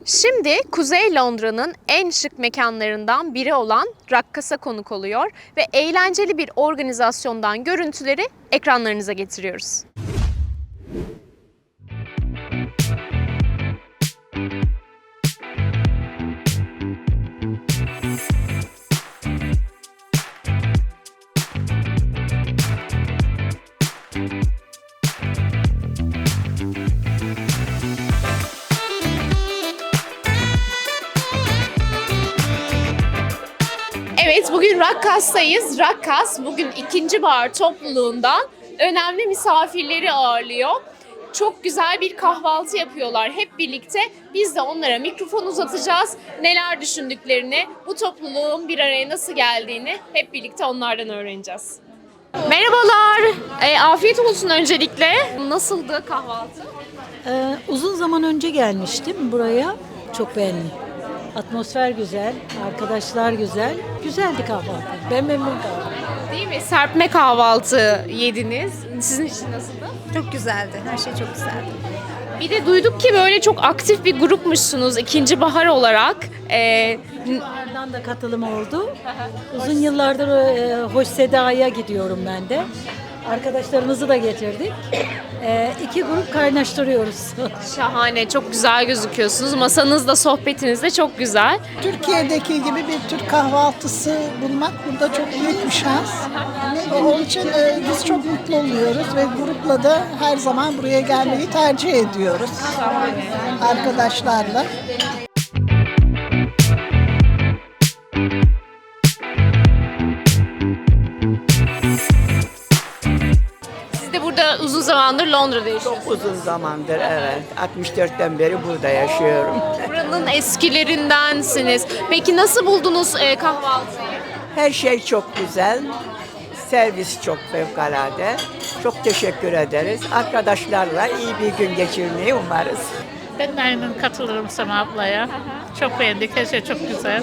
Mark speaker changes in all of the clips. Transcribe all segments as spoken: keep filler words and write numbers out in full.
Speaker 1: Şimdi Kuzey Londra'nın en şık mekanlarından biri olan Rakkas'a konuk oluyor ve eğlenceli bir organizasyondan görüntüleri ekranlarınıza getiriyoruz. Evet, bugün Rakkas'tayız. Rakkas bugün ikinci bahar topluluğundan önemli misafirleri ağırlıyor. Çok güzel bir kahvaltı yapıyorlar hep birlikte. Biz de onlara mikrofon uzatacağız. Neler düşündüklerini, bu topluluğun bir araya nasıl geldiğini hep birlikte onlardan öğreneceğiz. Merhabalar, e, afiyet olsun öncelikle. Nasıldı kahvaltı?
Speaker 2: Ee, uzun zaman önce gelmiştim buraya. Çok beğendim. Atmosfer güzel, arkadaşlar güzel. Güzeldi kahvaltı. Ben memnun kaldım.
Speaker 1: Değil mi? Serpme kahvaltı yediniz. Sizin için nasıldı?
Speaker 3: Çok güzeldi. Her şey çok güzeldi.
Speaker 1: Bir de duyduk ki böyle çok aktif bir grupmuşsunuz ikinci bahar olarak. Ee,
Speaker 2: Bahardan da katılım oldu. Uzun yıllardır e, Hoş Seda'ya gidiyorum ben de. Arkadaşlarımızı da getirdik. E, iki grup kaynaştırıyoruz.
Speaker 1: Şahane, çok güzel gözüküyorsunuz. Masanız da, sohbetiniz de çok güzel.
Speaker 4: Türkiye'deki gibi bir Türk kahvaltısı bulmak burada çok büyük bir şans. Onun için e, biz çok mutlu oluyoruz ve grupla da her zaman buraya gelmeyi tercih ediyoruz. Arkadaşlarla.
Speaker 1: Siz de burada uzun zamandır Londra'da yaşıyorsunuz.
Speaker 5: Çok uzun zamandır, evet. altmış dörtten beri burada yaşıyorum.
Speaker 1: Buranın eskilerindensiniz. Peki nasıl buldunuz e, kahvaltıyı?
Speaker 5: Her şey çok güzel. Servis çok fevkalade. Çok teşekkür ederiz. Arkadaşlarla iyi bir gün geçirmeyi umarız.
Speaker 6: Ben de aynen katılırım Sema ablaya. Çok beğendik, her şey çok güzel.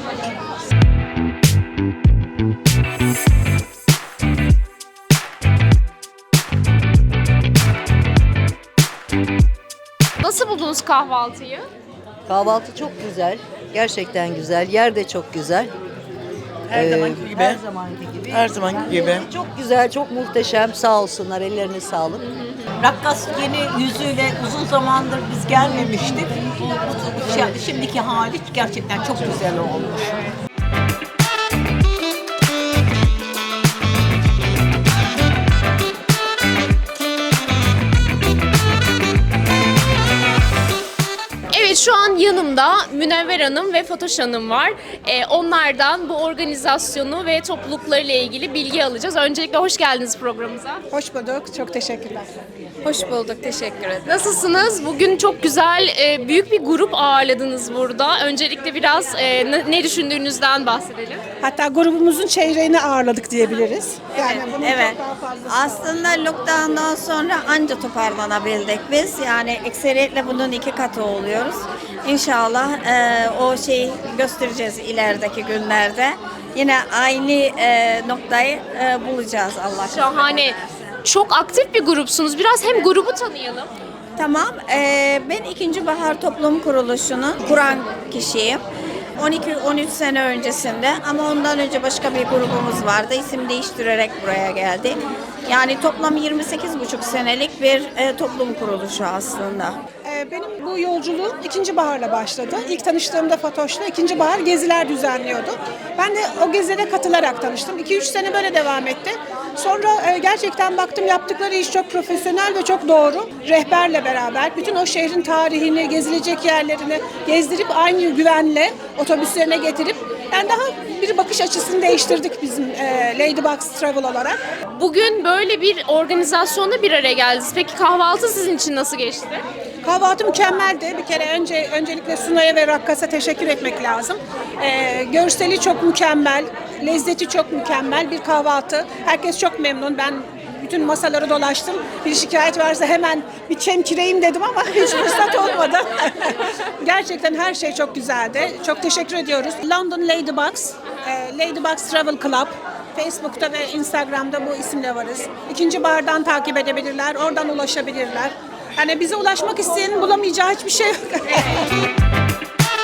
Speaker 1: Nasıl buldunuz kahvaltıyı?
Speaker 7: Kahvaltı çok güzel. Gerçekten güzel. Yer de çok güzel.
Speaker 8: Her
Speaker 7: Ee,
Speaker 8: zamanki gibi.
Speaker 7: Her zamanki gibi.
Speaker 8: Her zamanki gibi.
Speaker 7: Çok güzel, çok muhteşem. Sağ olsunlar. Ellerine sağlık.
Speaker 9: Rakkas yeni yüzüyle uzun zamandır biz gelmemiştik. Bu, bu- şi- şimdiki hali gerçekten çok güzel olmuş.
Speaker 1: Evet, şu an yanımda Münevver Hanım ve Fatoş Hanım var. Ee, onlardan bu organizasyonu ve topluluklarıyla ilgili bilgi alacağız. Öncelikle hoş geldiniz programımıza.
Speaker 4: Hoş bulduk. Çok teşekkürler.
Speaker 1: Hoş bulduk, teşekkür ederim. Nasılsınız? Bugün çok güzel, e, büyük bir grup ağırladınız burada. Öncelikle biraz e, ne, ne düşündüğünüzden bahsedelim.
Speaker 4: Hatta grubumuzun çeyreğini ağırladık diyebiliriz. Yani bunun
Speaker 3: Evet.
Speaker 4: çok daha fazlası.
Speaker 3: Aslında lockdown'dan sonra anca toparlanabildik biz. Yani ekseriyetle bunun iki katı oluyoruz. İnşallah e, o şeyi göstereceğiz ilerideki günlerde. Yine aynı e, noktayı e, bulacağız Allah aşkına.
Speaker 1: Şahane. Çok aktif bir grupsunuz. Biraz hem grubu tanıyalım.
Speaker 3: Tamam. e, ben ikinci Bahar Toplum Kuruluşu'nun kuran kişiyim. on iki on üç sene öncesinde ama ondan önce başka bir grubumuz vardı. İsim değiştirerek buraya geldi. Yani toplam yirmi sekiz buçuk senelik bir e, toplum kuruluşu aslında.
Speaker 4: Ee, Benim bu yolculuğum ikinci baharla başladı. İlk tanıştığımda Fatoş'la ikinci bahar geziler düzenliyordu. Ben de o gezilere katılarak tanıştım. iki üç sene böyle devam etti. Sonra e, gerçekten baktım yaptıkları iş çok profesyonel ve çok doğru. Rehberle beraber bütün o şehrin tarihini, gezilecek yerlerini gezdirip aynı güvenle otobüslerine getirip yani daha bir bakış açısını değiştirdik bizim e, Ladybugs Travel olarak.
Speaker 1: Bugün böyle bir organizasyonda bir araya geldiniz. Peki kahvaltı sizin için nasıl geçti?
Speaker 4: Kahvaltı mükemmeldi. Bir kere önce öncelikle Sunay'a ve Rakkas'a teşekkür etmek lazım. Ee, görseli çok mükemmel, lezzeti çok mükemmel bir kahvaltı. Herkes çok memnun. Ben bütün masaları dolaştım. Bir şikayet varsa hemen bir çemkireyim dedim ama hiç fırsat olmadı. Gerçekten her şey çok güzeldi. Çok teşekkür ediyoruz. London Ladybugs, e, Ladybugs Travel Club. Facebook'ta ve Instagram'da bu isimle varız. İkinci bardan takip edebilirler, oradan ulaşabilirler. Yani bize ulaşmak isteyenin bulamayacağı hiçbir şey yok.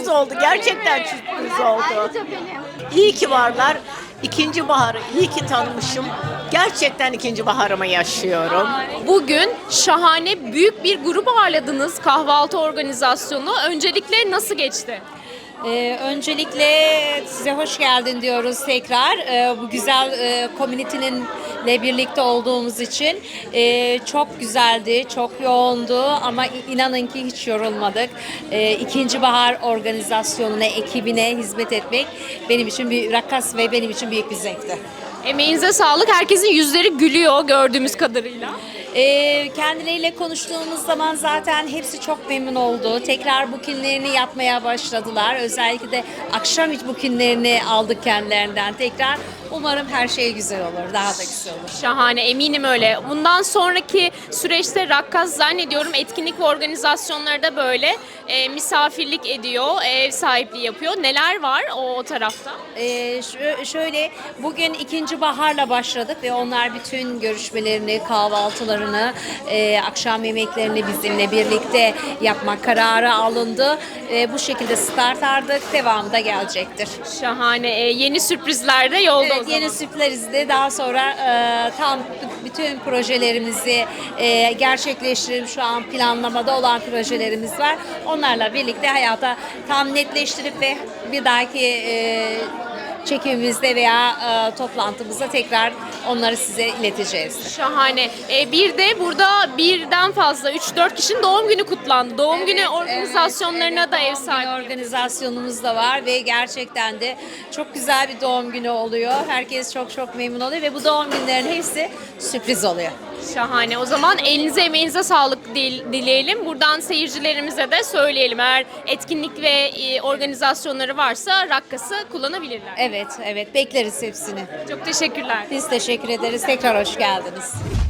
Speaker 9: sürpriz oldu. Gerçekten sürpriz oldu. İyi ki varlar. İkinci baharı iyi ki tanımışım. Gerçekten ikinci baharımı yaşıyorum.
Speaker 1: Bugün şahane büyük bir grup ağırladınız, kahvaltı organizasyonu. Öncelikle nasıl geçti?
Speaker 8: Ee, öncelikle size hoş geldin diyoruz tekrar. Ee, bu güzel e, community'ninle birlikte olduğumuz için Ee, çok güzeldi, çok yoğundu ama inanın ki hiç yorulmadık. Ee, İkinci Bahar organizasyonuna, ekibine hizmet etmek benim için bir rakas ve benim için büyük bir zevkti.
Speaker 1: Emeğinize sağlık. Herkesin yüzleri gülüyor gördüğümüz kadarıyla.
Speaker 8: Ee, kendileriyle konuştuğumuz zaman zaten hepsi çok memnun oldu. Tekrar bookinlerini yapmaya başladılar. Özellikle de akşam hiç bookinlerini aldık kendilerinden tekrar. Umarım her şey güzel olur, daha da güzel olur.
Speaker 1: Şahane, eminim öyle. Bundan sonraki süreçte Rakkas zannediyorum etkinlik ve organizasyonları da böyle e, misafirlik ediyor, ev sahipliği yapıyor. Neler var o, o tarafta?
Speaker 8: Ee, şö- şöyle, bugün ikinci baharla başladık ve onlar bütün görüşmelerini, kahvaltılarını, e, akşam yemeklerini bizimle birlikte yapmak kararı alındı. E, bu şekilde start aldık, devamı da gelecektir.
Speaker 1: Şahane, e, yeni sürprizler de yolda o
Speaker 8: Evet,
Speaker 1: zaman.
Speaker 8: yeni sürprizleri de daha sonra e, tam bütün projelerimizi e, gerçekleştirip şu an planlamada olan projelerimiz var. Onlarla birlikte hayata tam netleştirip ve bir dahaki e, çekimimizde veya e, toplantımızda tekrar onları size ileteceğiz.
Speaker 1: Şahane. E, bir de burada birden fazla üç dört kişinin doğum günü kutlandı. Doğum günü organizasyonlarına
Speaker 8: Evet,
Speaker 1: da ev
Speaker 8: doğum günü
Speaker 1: sahipliği.
Speaker 8: organizasyonumuz da var ve gerçekten de çok güzel bir doğum günü oluyor. Herkes çok çok memnun oluyor ve bu doğum günlerin hepsi sürpriz oluyor.
Speaker 1: Şahane. O zaman elinize emeğinize sağlık dil- dileyelim. Buradan seyircilerimize de söyleyelim. Eğer etkinlik ve e, organizasyonları varsa Rakkas'ı kullanabilirler.
Speaker 8: Evet, evet bekleriz hepsini.
Speaker 1: Çok teşekkürler.
Speaker 8: Biz teşekkür ederiz. Tekrar hoş geldiniz.